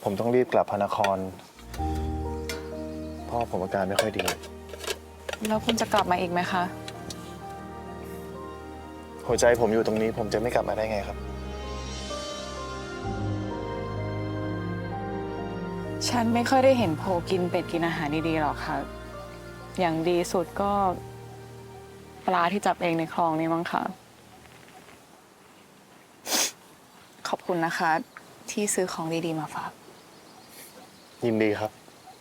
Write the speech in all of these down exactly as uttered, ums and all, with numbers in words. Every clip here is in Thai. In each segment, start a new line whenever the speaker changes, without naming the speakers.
ผมต้องรีบกลับพระนครพ่อผมอาการไม่ค่อยดี
แล้วคุณจะกลับมาอีกไหมคะ
หัวใจผมอยู่ตรงนี้ผมจะไม่กลับมาได้ไงครับ
ฉันไม่ค่อยได้เห็นโพกินเป็ดกินอาหารดีๆหรอกค่ะ อย่างดีสุดก็ปลาที่จับเองในคลองนี่มั้งค่ะ ขอบคุณนะคะ ที่ซื้อของดีๆมาฝาก
ยินดีครับ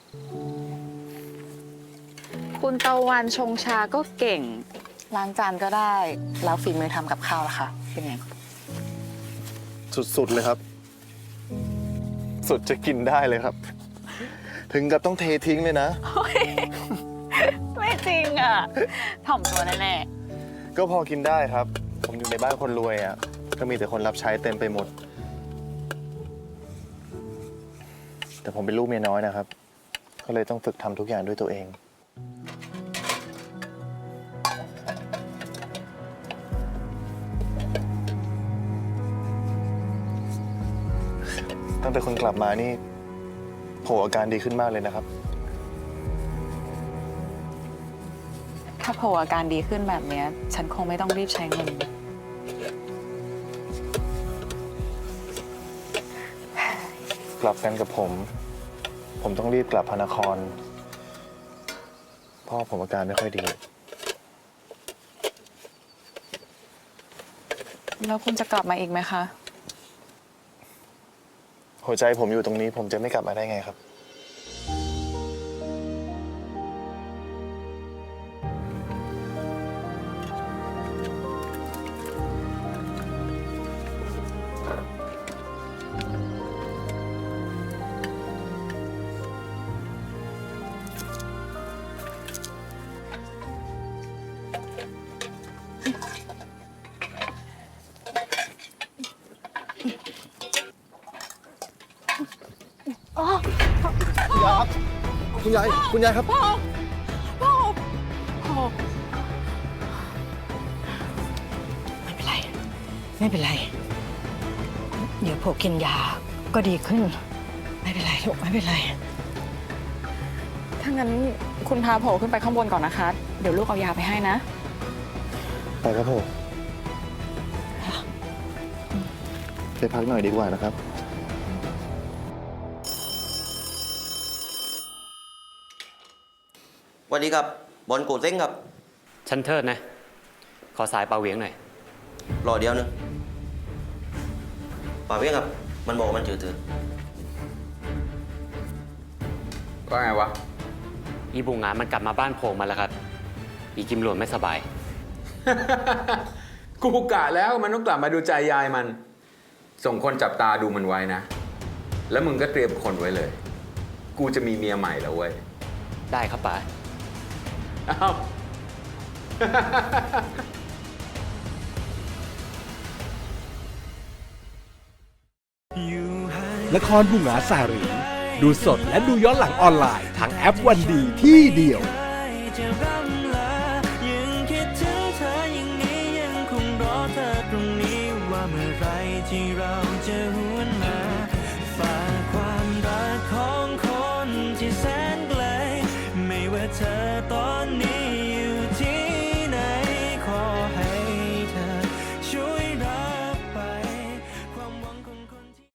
คุณตะวันชงชาก็เก่ง ล้างจานก็ได้ แล้วฝีมือทำกับข้าวล่ะคะเป็นไง
สุดๆเลยครับ สุดจะกินได้เลยครับ ถึงกับต้องเททิ้งเลยนะ
ไม่จริงอ่ะถ่อมตัวแน่
ก็พอกินได้ครับ ผมอยู่ในบ้านคนรวยอ่ะก็มีแต่คนรับใช้เต็มไปหมด แต่ผมเป็นลูกเมียน้อยนะครับ ก็เลยต้องฝึกทำทุกอย่างด้วยตัวเอง ตั้งแต่คุณกลับมานี่โผอาการดีขึ้นมากเลยนะครับ
ๆถ้าโผอาการดีขึ้นแบบเนี้ย ฉันคงไม่ต้องรีบใช้เงิน
กลับกันกับผม ผมต้องรีบกลับพระนครพ่อผมอาการไม่ค่อยดี
แล้วคุณจะกลับมาอีกไหมคะ
หัวใจผมอยู่ตรงนี้ผมจะไม่กลับมาได้ไงครับ คุณยายครับ คุณยาย คุณยายครับ
พ่อ พ่อ พ่อ
ไม่เป็นไร ไม่เป็นไร เดี๋ยวโผกินยาก็ดีขึ้น ไม่เป็นไรลูกไม่เป็นไร
ถ้างั้นคุณพาโผขึ้นไปข้างบนก่อนนะคะ เดี๋ยวลูกเอายาไปให้นะ
ไปครับผมไปพักหน่อยดีกว่านะครับ
สวัสดีครับบอลโกเซ้งครับ
ฉันเทิดนะ ขอสายปลาเหวียงหน่อย
รอเดียวนึงป่าเวียงครับ มันบอกว่ามันจืดตืด
ว่าไงวะ
อีบุงงานมันกลับมาบ้านโผล่มาแล้วครับ อีกิมหลวนไม่สบาย
กูกะแล้วมันต้องกลับมาดูใจยายมัน ส่งคนจับตาดูมันไว้นะ แล้วมึงก็เตรียมคนไว้เลย กูจะมีเมียใหม่แล้วเว้ย
ได้ครับป๋า
อ้าว
ละครบุงหาสารีดูสดและดูย้อนหลังออนไลน์ทางแอปวันดีที่เดียว